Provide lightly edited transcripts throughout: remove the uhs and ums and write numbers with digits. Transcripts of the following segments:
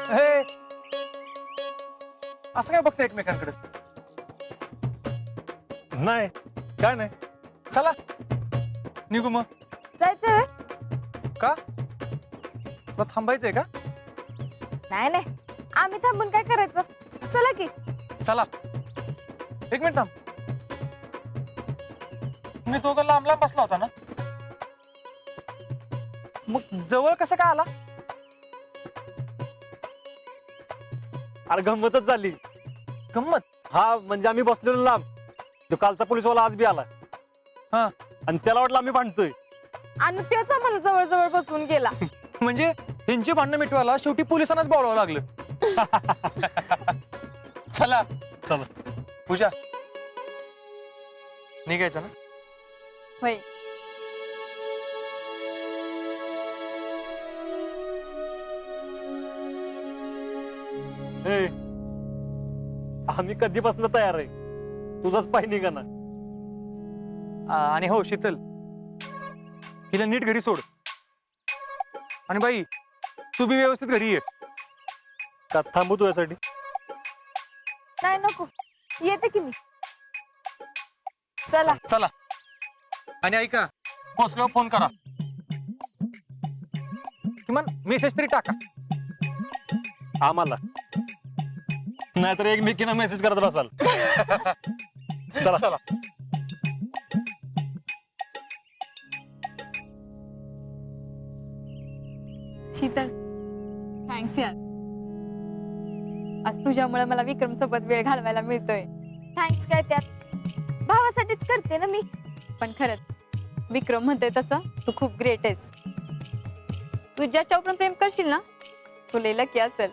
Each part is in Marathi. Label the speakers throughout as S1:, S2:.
S1: हे असं काय बघतं एकमेकांकडे? नाही, काय नाही. चला निघू मग.
S2: जायचंय?
S1: का तुला थांबायचंय का?
S2: नाही नाही, आम्ही थांबून काय करायचं? चला की.
S1: चला एक मिनिट थांब. तुम्ही दोघं लांब लांब बसला होता ना, मग जवळ कसं काय आला?
S3: अरे गंमतच झाली.
S1: गंमत?
S3: हा म्हणजे आम्ही बसलेलो लांब, तो कालचा पोलीसवाला आज बी आला.
S1: हा,
S3: आणि त्याला वाटलं आम्ही भांडतोय.
S2: आणि तेच आम्हाला जवळ जवळ बसवून गेला.
S1: म्हणजे त्यांची भांडणं मिटवायला शेवटी पोलिसांनाच बोलावं लागलं. चला
S3: चला.
S1: पूजा, निघायचं ना?
S2: होय.
S3: ए, आम्ही कधीपासून तयार आहे, तुझाच पाय निघा ना.
S1: आणि हो शीतल, हिला नीट घरी सोड. आणि बाई तू बी व्यवस्थित घरी ये.
S3: का थांबू तुझ्यासाठी?
S2: नाही नको, येते की मी. चला.
S1: चला. आणि ऐका, पोचल्यावर फोन करा, किमान मेसेज तरी टाका
S3: आम्हाला, नाहीतर एकमेकींना मेसेज करत बसाल. चला
S1: चला.
S2: शीतल, थँक्स यार. आज तुझ्यामुळे मला विक्रम सोबत वेळ घालवायला मिळतोय. थँक्स काय त्यात, भावासाठीच करते ना मी. पण खरंच विक्रम म्हणतोय तसं तू खूप ग्रेट आहेस. तू ज्याच्यावर पण प्रेम करशील ना, तू लय लकी असेल.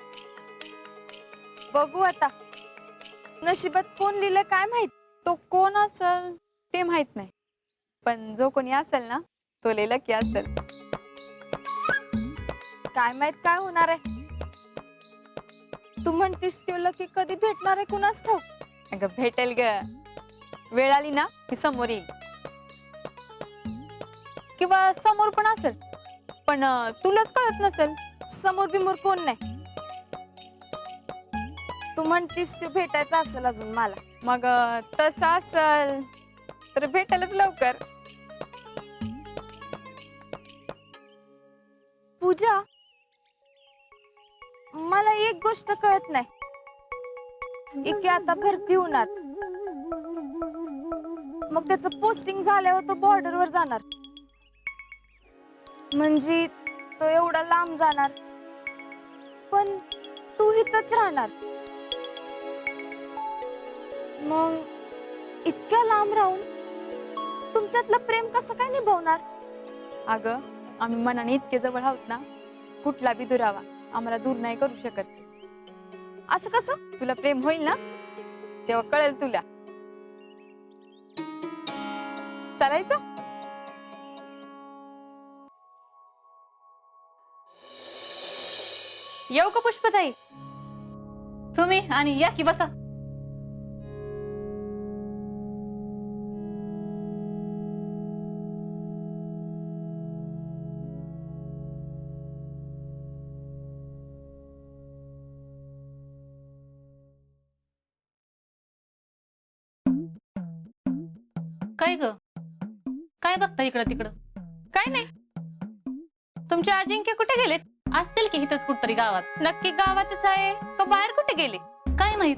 S2: बघू आता नशिबात कोण लिहिलं काय माहित. तो कोण असेल ते माहित नाही, पण जो कोणी असेल ना तो लय लकी असेल. काय माहित काय होणार आहे. तू म्हणतीस तो लकी कधी भेटणार आहे कुणास ठाऊक. अगं भेटेल ग, वेळ आली ना ती समोर येईल. किंवा समोर पण असेल, पण तुलाच कळत नसेल. समोर बिमोर कोण नाही. तू म्हणतीस तू भेटायचं असेल अजून मला. मग तसं असेल तर भेटेलच लवकर. पूजा, मला एक गोष्ट कळत नाही. इके आता भरती होणार, मग त्याचं पोस्टिंग झाल्यावर तो बॉर्डरवर जाणार. म्हणजे तो एवढा लांब जाणार, पण तू इथंच राहणार. मग इतक्या लांब राहून तुमच्यातलं प्रेम कसं काय निभावणार? अगं आम्ही मनाने इतके जवळ आहोत ना, कुठला बी दुरावा आम्हाला दूर नाही करू शकत. असं कसं? तुला प्रेम होईल ना तेव्हा कळेल तुला. चालायचं?
S4: येऊ का पुष्पताई? तुम्ही आणि या की बसा. काय ग, काय बघता इकडं तिकडं? काय नाही. तुमचे अजिंक्य कुठे गेलेत? असतील की इथंच कुठतरी गावात. नक्की गावातच आहे का बाहेर कुठे गेले काय माहित.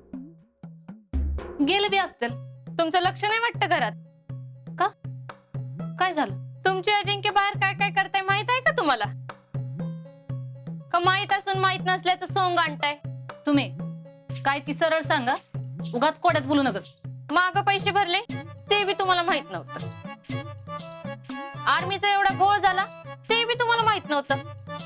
S4: गेले बी असतील. तुमचं लक्ष नाही वाटतं घरात का? काय झालं? तुमचे अजिंक्य बाहेर काय काय करताय माहित आहे का तुम्हाला? का माहित असून माहित नसल्याचं सोंग आणताय तुम्ही? काय ती सरळ सांगा, उगाच कोड्यात बोलू नकस. माग पैसे भरले ते बी तुम्हाला माहित नव्हतं. आर्मीचा एवढा घोळ झाला ते बी तुम्हाला माहित नव्हतं.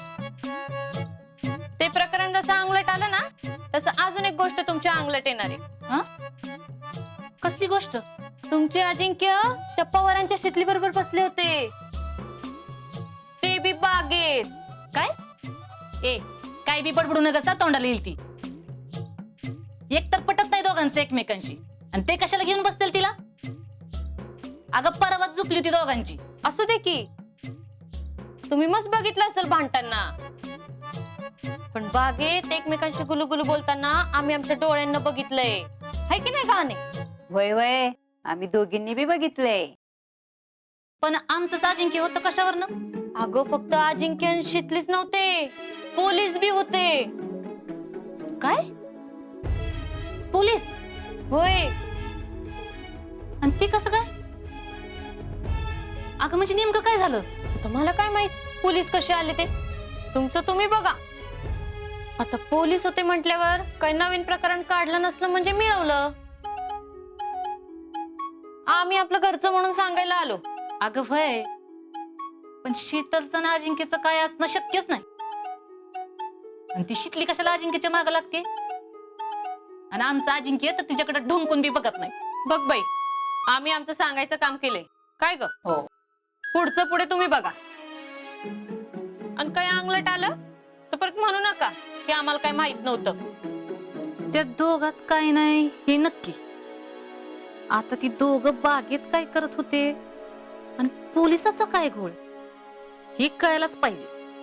S4: ते प्रकरण जसं अंगलट आलं ना, तसं अजून एक गोष्ट तुमच्या अंगलट येणार आहे. कसली गोष्ट? तुमचे अजिंक्य त्या पवारांच्या शेतली बरोबर बसले होते, ते बी बागेत. काय? ए काय बी बडबडू नका, तोंडाला येईल ती. एक तर पटत नाही दोघांचं एकमेकांशी, आणि ते कशाला घेऊन बसतील तिला? अगं परवाच झुकली होती दोघांची. असू दे की, तुम्ही मस्त बघितलं असेल भांडताना. पण बागेत एकमेकांशी गुलुगुलू बोलताना आम्ही आमच्या डोळ्यांना बघितलंय, हाय की नाही गाणे?
S5: वय वय आम्ही दोघींनी बी बघितलंय.
S4: पण आमचंच अजिंक्य होतं कशावरनं? अगं फक्त अजिंक्य आणि शीतलीच नव्हते, पोलीस बी होते. काय? पोलीस? होय. आणि ते कसं काय? अगं म्हणजे नेमकं काय झालं? तुम्हाला काय माहित पोलीस कसे आले ते? तुमचं तुम्ही बघा. आता पोलीस होते म्हटल्यावर काही नवीन प्रकरण काढलं नसलं म्हणजे मिळवलं. आम्ही आपलं घरचं म्हणून सांगायला आलो. अगं भय, पण शीतलचं आणि अजिंक्यचं काय असणं शक्यच नाही. आणि ती शीतली कशाला अजिंक्यच्या मागे लागते? आणि आमचं अजिंक्य तर तिच्याकडे ढोंकून बी बघत नाही. बघ बाई, आम्ही आमचं सांगायचं काम केलंय. काय ग?
S5: हो.
S4: पुढचं पुढे तुम्ही बघा. आणि काय अंगलट आलं तर परत म्हणू नका की आम्हाला काय माहित नव्हतं.
S6: त्या दोघात काय नाही हे नक्की. आता ती दोघं बागेत काय करत होते आणि पोलिसाचा काय घोळ हे कळायलाच पाहिजे.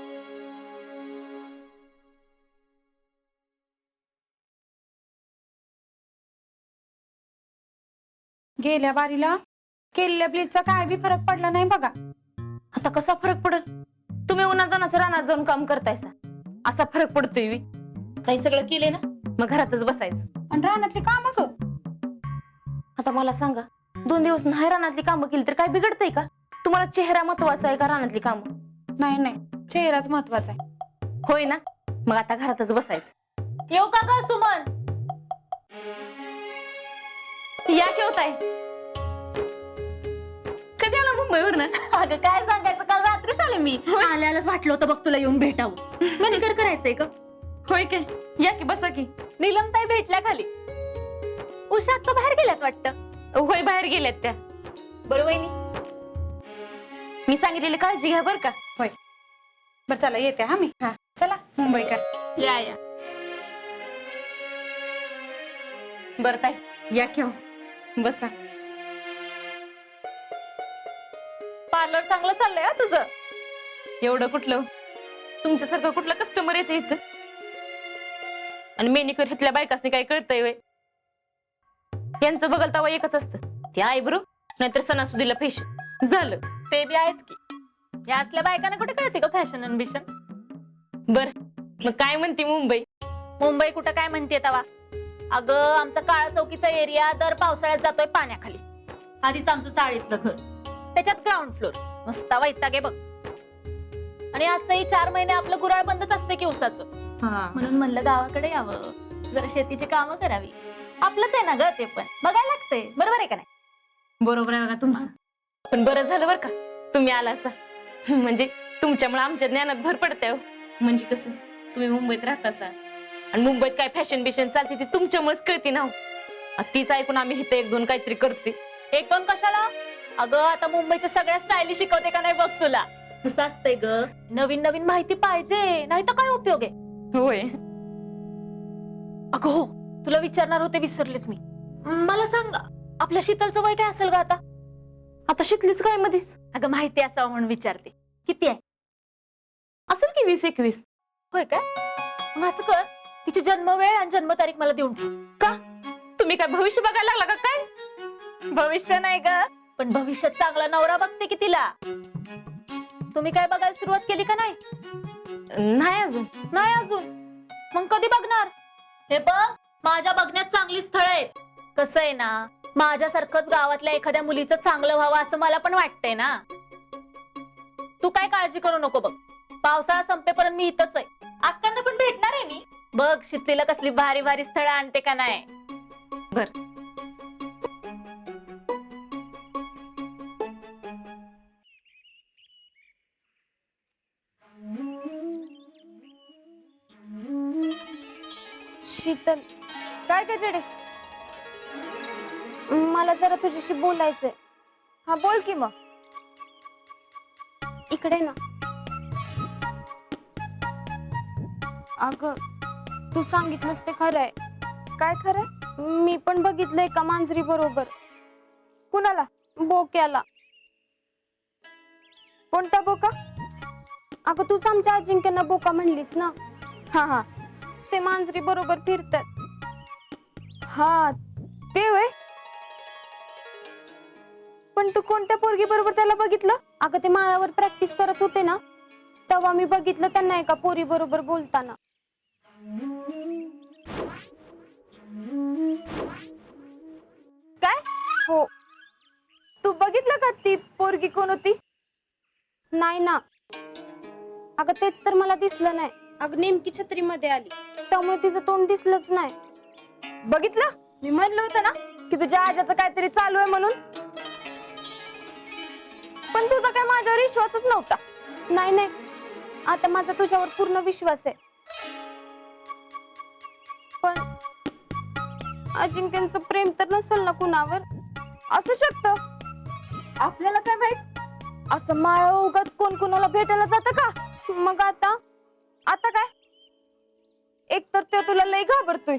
S7: गेल्या बारीला केलेल्या ब्लीचचा काय बी फरक पडला नाही बघा.
S4: आता कसा फरक पडल? तुम्ही उन्हातानाचं रानात जाऊन काम करतायसा, असा फरक पडतोय बी. आता हे सगळं केलंय ना, मग घरातच बसायचं.
S7: आणि रानातली काम ग.
S4: आता मला सांगा, 2 दिवस नाही रानातली कामं केली तर काय बिघडतंय का? तुम्हाला चेहरा महत्वाचा आहे का रानातली कामं?
S7: नाही नाही, चेहराच महत्वाचा आहे.
S4: होय ना, मग आता घरातच बसायचं.
S5: येऊ का ग सुमन?
S4: या ठेवताय. कधी आला मुंबईवरनं?
S5: अगं काय सांगायचं, काल रात्रीच आले मी. आल्यालाच वाटलं होतं बघ तुला येऊन भेटावं. मॅनिक्युअर करायचंय का?
S4: होय काय? या की बसा की.
S5: नीलमताई भेटल्या खाली. उषा आता बाहेर गेल्यात वाटतं.
S4: होय, बाहेर गेल्यात त्या. बरं वहिनी, मी सांगितलेली काळजी घ्या बरं का.
S7: बरं चला येते हा मी.
S4: हा.
S7: चला मुंबईकर.
S5: या
S4: बरं ताई, या घेऊ बसा.
S5: पार्लर चांगलं चाललंय हा तुझं.
S4: एवढं कुठलं, तुमच्यासारखं कुठलं कस्टमर येते इथं? आणि मेनिक्युअर घेतल्या बायकासनी काय कळतंय वय? यांचं बघल तवा एकच असतं, ते आयब्रो नाहीतर सणासुदीला फेशियल झालं.
S5: ते बी आहेच की. या असल्या बायकांना कुठे कळते का फॅशन अम्बिशन?
S4: बर, मग काय म्हणते मुंबई?
S5: मुंबई कुठं काय म्हणते तवा? अगं आमचा काळा चौकीचा एरिया दर पावसाळ्यात जातोय पाण्याखाली. आधीच आमचं चाळीतलं घर, त्याच्यात ग्राउंड फ्लोर. मस्त वैताग आहे बघ. आणि असंही 4 महिने आपलं गुराळ बंदच असते की उसाचं. म्हणून म्हणलं गावाकडे यावं, जरा शेतीची कामं करावी. आपलंच आहे ना ग ते, पण बघायला लागतंय. बरोबर आहे का नाही?
S4: बरोबर आहे बघा तुमचं. पण बरं झालं बरं का तुम्ही आला असा. म्हणजे तुमच्यामुळे आमच्या ज्ञानात भर पडते. म्हणजे कसं, तुम्ही मुंबईत राहत असा आणि मुंबईत काय फॅशन बिशन चालते ती तुमच्यामुळेच कळते ना. तीच ऐकून आम्ही इथं 1-2 काहीतरी करते.
S5: 1-2 कशाला? अगं आता मुंबईच्या सगळ्या स्टाईली शिकवते का नाही बघ तुला. कसं असतंय ग, नवीन नवीन माहिती पाहिजे, नाही तर काय उपयोग आहे.
S4: होय.
S5: अगं हो, तुला विचारणार होते विसरलेच मी. मला सांग, आपल्या शीतलचं वय काय असेल ग आता?
S4: आता शिकलीच काय मध्येच?
S5: अगं माहिती असावं म्हणून विचारते. किती आहे?
S4: असेल की 20-21.
S5: होय काय? मग असं कर, तिची जन्मवेळ आणि जन्मतारीख मला देऊन ठेव.
S4: का? तुम्ही काय भविष्य बघायला लागला का काय?
S5: भविष्य नाही ग, पण भविष्यात चांगला नवरा बघते की तिला. तुम्ही काय बघायला सुरुवात केली का नाही?
S4: नाही अजून.
S5: नाही अजून? मग कधी बघणार? हे बघ, माझ्या बघण्यात चांगली स्थळ आहेत. कसं आहे ना, माझ्यासारखंच गावातल्या एखाद्या मुलीचं चांगलं व्हावं असं मला पण वाटतंय ना. तू काय काळजी करू नको बघ, पावसाळा संपेपर्यंत मी इथंच आहे. अक्कांना पण भेटणार आहे मी. बघ शीतलीला कसली भारी भारी स्थळं आणते का नाही.
S4: बर.
S2: शीतल, काय गजडे? मला जरा तुझ्याशी बोलायचंय. हा बोल की मग. इकडे ना. अगं तू सांगितलंस ते खरंय. काय खरंय? मी पण बघितलंय का मांजरी बरोबर. कुणाला? बोक्याला. कोणता बोका? अगं तूच आमच्या अजिंक्यांना बोका म्हणलीस ना. हा हा, ते मांजरी बरोबर फिरतात. हा ते वय. पण तू कोणत्या पोरगी बरोबर त्याला बघितलं? अगं ते माळावर प्रॅक्टिस करत होते ना, तेव्हा मी बघितलं त्यांना एका पोरी बरोबर बोलताना. काय? हो. तू बघितलं का ती पोरगी कोण होती? नाही ना. अगं तेच तर मला दिसलं नाही. अगं नेमकी छत्रीमध्ये आली, त्यामुळे तिचं तोंड दिसलंच नाही. बघितलं? मी म्हणलं होतं ना की तुझ्या आजाचं काहीतरी चालू आहे म्हणून. पण तुझा काय माझ्यावर विश्वासच नव्हता. नाही नाही, आता माझा तुझ्यावर पूर्ण विश्वास आहे. पण अजिंक्यचं प्रेम तर नसेल ना कुणावर? असू शकतं, आपल्याला काय माहित. असं माळ उगाच कोण कोणाला भेटायला जातं का? मग आता काय? एक तर ते तुला लय घाबरतोय.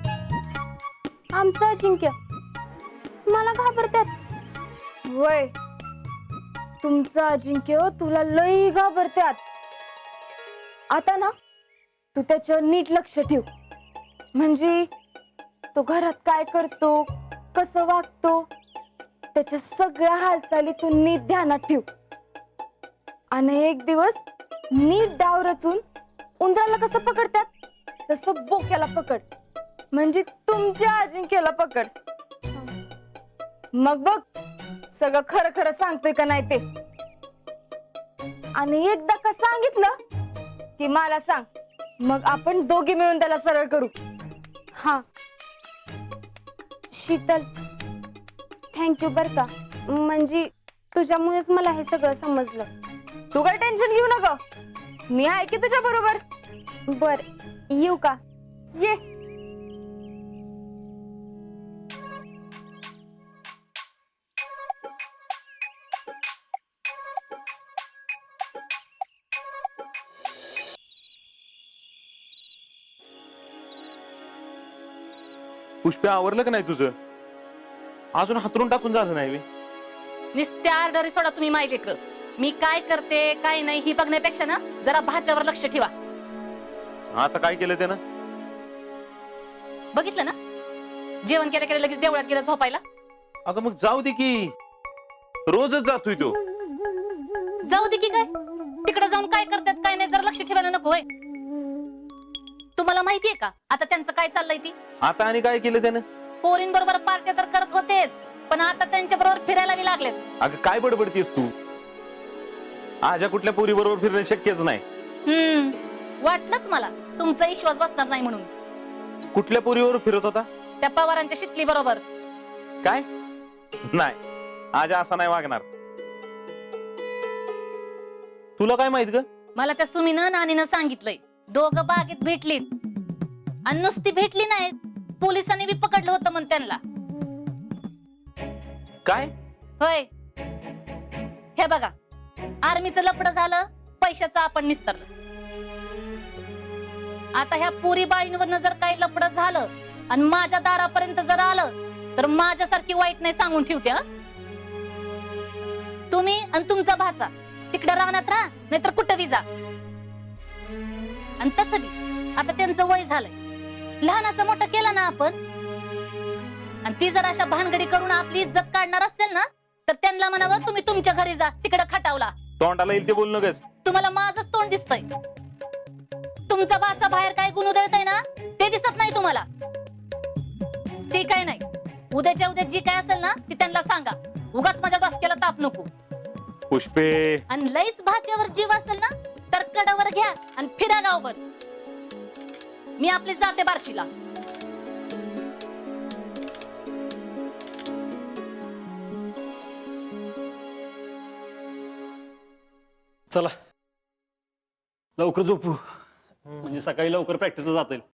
S2: आमचं अजिंक्य मला घाबरतात. वय, तुमचं अजिंक्य तुला लय घाबरतात. आता ना तू त्याच्यावर नीट लक्ष ठेव. म्हणजे तो घरात काय करतो, कसं वागतो, त्याच्या सगळ्या हालचाली तू नीट ध्यानात ठेव. आणि एक दिवस नीट डाव रचून उंदराला कसं पकडतात तसं बोक्याला पकड. म्हणजे तुमच्या अजिंक्यला पकड. मग बघ सगळं खरं खरं सांगतोय का नाही ते. आणि एकदा का सांगितलं की मला सांग, मग आपण दोघे मिळून त्याला सरळ करू. हा शीतल, थँक्यू बर का. म्हणजे तुझ्यामुळेच मला हे सगळं समजलं. तू काय टेन्शन घेऊ नका, मी आहे की तुझ्या बरोबर. बर, येऊ का? ये.
S8: पुष्पे आवरलं का नाही तुझं? अजून हातरून टाकून झालं नाही बे.
S6: नुसत्या आर्डरी सोडा तुम्ही माय लेकरं. मी काय करते काय नाही ही बघण्यापेक्षा ना जरा भाच्यावर लक्ष ठेवा.
S8: आता काय केलं त्यानं?
S6: बघितलं ना, जेवण केल्या केल्या लगेच देवळात गेला झोपायला.
S8: अगं मग जाऊ दे की, रोजच जातोय तो.
S6: जाऊ दे की काय, तिकडे जाऊन काय करतात काय नाही जरा लक्ष ठेवायला नको होय? तुम्हाला माहितीये का आता त्यांचं काय चाललंय ती?
S8: आता आणि काय केलं त्यानं?
S6: पोरींबरोबर पार्ट्या तर करत होतेच, पण आता त्यांच्या बरोबर फिरायला बी लागलेत.
S8: अगं काय बडबडतीस तू? आजा कुठल्या पोरी बरोबर फिरणं शक्यच नाही.
S6: वाटलंच मला तुमचा विश्वास बसणार नाही म्हणून.
S8: कुठल्या पोरीवर फिरत होता?
S6: त्या पवारांच्या शितली बरोबर.
S8: काय? नाही, आजा असा नाही वागणार. तुला काय माहित ग?
S6: मला त्या सुमीनं नानीनं सांगितलंय दोघं बागेत भेटलीत. आणि नुसती भेटली नाहीत, पोलिसांनी बी पकडलं होतं म्हण त्यांना.
S8: काय?
S6: होय, हे बघा, आर्मीचं लफडं झालं, पैशाचं आपण निस्तरलं. आता ह्या पुरी बाळींवर जर काही लफडं झालं आणि माझ्या दारापर्यंत जर आलं तर माझ्यासारखी वाईट नाही सांगून ठेवते. तुम्ही आणि तुमचा भाचा तिकडे राहण्यात राहा, नाहीतर कुठं बी जा. आणि तसं बी आता त्यांचं वय झालंय, लहानाचं मोठं केलं ना आपण. आणि ती जर अशा भानगडी करून आपली इज्जत काढणार असतील ना तर त्यांना म्हणावं तुम्ही तुमच्या घरी जा, तिकडे खटावला.
S8: तोंडाला येईल ते बोलू नकस.
S6: तुम्हाला माझंच तोंड दिसतंय. तुमचा बाचा बाहेर काय गुण उधळतय ना ते दिसत नाही तुम्हाला. ते काय नाही, उद्याच्या उद्या जी काय असेल ना ती त्यांना सांगा. उगाच माझ्या डोसक्याला ताप नको.
S8: पुष्पे,
S6: आणि लईच भाच्यावर जीव असेल ना तर कडावर घ्या आणि फिरा गावभर. मी आपली जाते बार्शीला.
S3: चला लवकर झोपू, म्हणजे सकाळी लवकर प्रॅक्टिसला जाता येईल.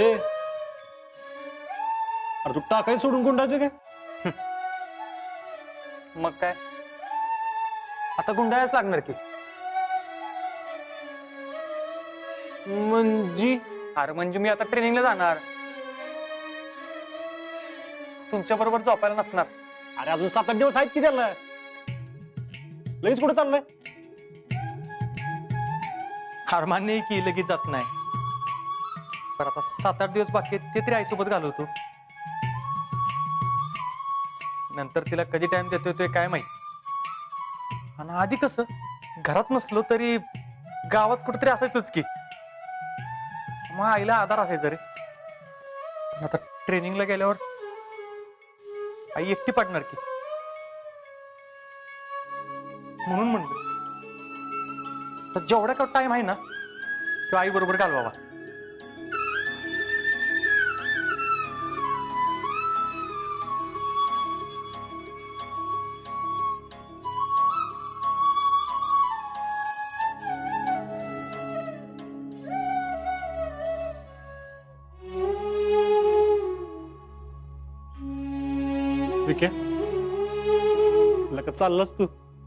S3: अरे तू टाकाय सोडून कोण राहते काय?
S1: मग काय आता गुंडाळाच लागणार की.
S8: म्हणजे
S1: अरे म्हणजे मी आता ट्रेनिंगला जाणार, तुमच्या बरोबर झोपायला नसणार.
S3: अरे अजून 7-8 दिवस आहेत की त्याला, लगेच कुठे चाललंय?
S1: हार मान्य की लगेच जात नाही, पण आता 7-8 दिवस बाकी आहेत, ते तरी आईसोबत घालवतो. नंतर तिला कधी टाइम देतोय ते काय माहित. आणि आधी कसं घरात नसलो तरी गावात कुठेतरी असायचोच की, मग आईला आधार असायचा रे. पण आता ट्रेनिंगला गेल्यावर आई एकटी पडणार की, म्हणून म्हणलं तर जेवढा का टाइम आहे ना तो आई बरोबर घालवावा.
S3: विके, लका चाललास तू?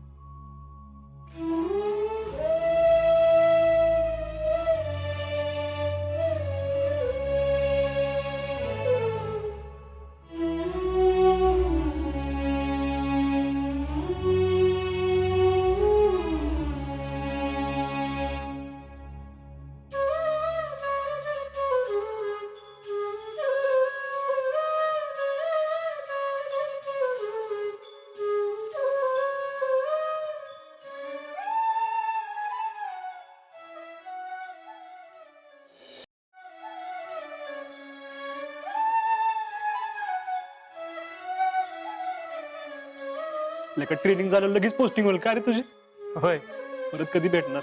S3: लका ट्रेनिंग झालं लगेच पोस्टिंग होईल का रे तुझी?
S1: होय,
S3: परत कधी भेटणार?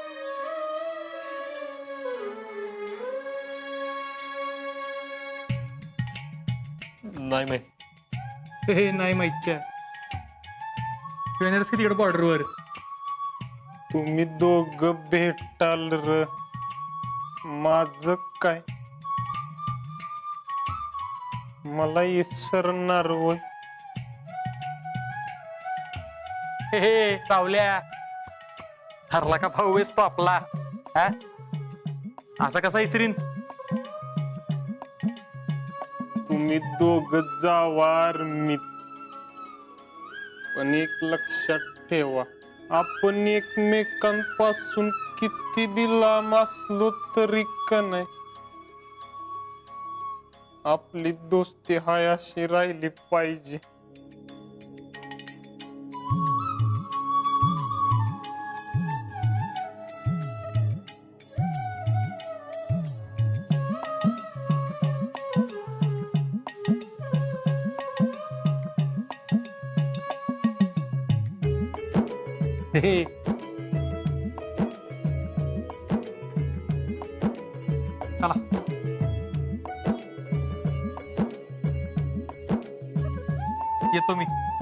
S3: नाही माहित.
S1: हे नाही माहितच्या ट्रेनर्स की तिकडे बॉर्डरवर.
S8: तुम्ही दोघ भेटाल र, माझ काय मला इसरणार होय?
S1: हे सावल्या हरला का भाऊ वेस पापला, हा असा कसा इसरीन?
S8: तुम्ही दोघ जावार मी, पण एक लक्षात ठेवा, आपण एकमेकांपासून किती बी लांब असलो तरी का नाही, आपली दोस्ती हाय अशी राहिली पाहिजे.
S1: हे चला येतो मी.